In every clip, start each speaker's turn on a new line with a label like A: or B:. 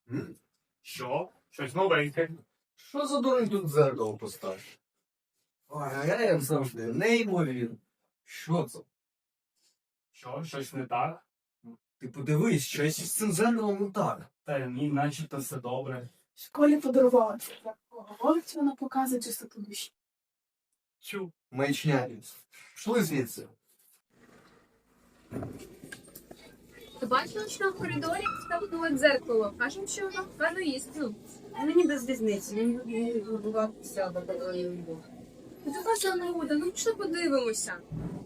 A: Що? Щось новеньке.
B: Що за дурень тут дзеркало поставив? Ой, а я як завжди, неймовірно. Що це?
A: Що? Щось не так?
B: Ти подивись, щось із цим зеркалом не так.
A: Та ні, начебто все добре.
C: Школі подарувала це. Говорить, вона показує чистоту душі.
A: Чу.
B: Маячня. Пішли звідси.
D: Ти бачила, що в коридорі ставили дзеркало? Кажуть, що воно певно істину.
E: Мені без різниці, він відбуватися до такої любов.
D: Ти така зануда, ну пішли подивимося.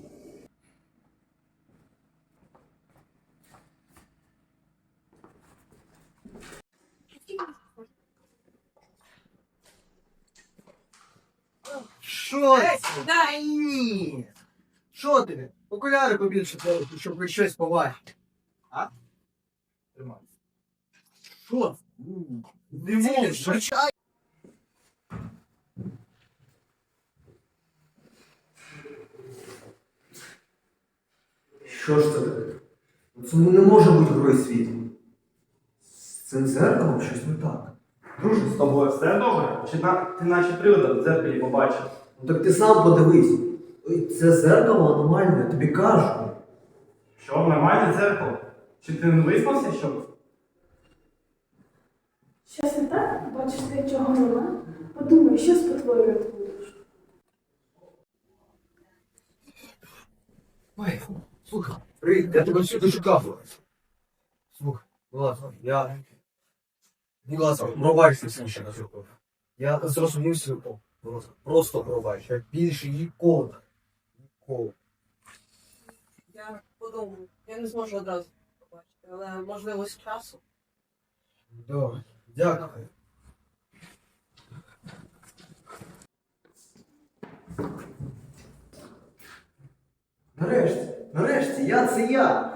B: Що це? Дай ні! Що ти? Окуляри побільше треба, щоб хоч щось побачити. А? Тримай. Що це? Не можеш. Що ж це таке? Це не може бути грою світу. З цим зеркалом щось не так.
F: Друже, з тобою все добре? Чи ти наче привода в дзеркалі побачив?
B: Ну так ти сам подивись. Ой, це зеркало аномальне, я тобі кажу.
F: Що, нормальне дзеркало? Чи ти не виспався, щоб?
C: Щось не так? Бачиш, ти чого нема? Подумай, що спотворювати будеш.
B: Ой, слухай, привіт, я тебе всюди шукав. Слухай, будь ласка, будь ласка, пробачте всім, що називав. Я зрозумівся, будь ласка, просто пробач. Я більше ніколи. Ніколи.
E: Я подумаю, я не зможу одразу побачити, але можливо з часу.
B: Добре, дякую. Нарешті, я це я.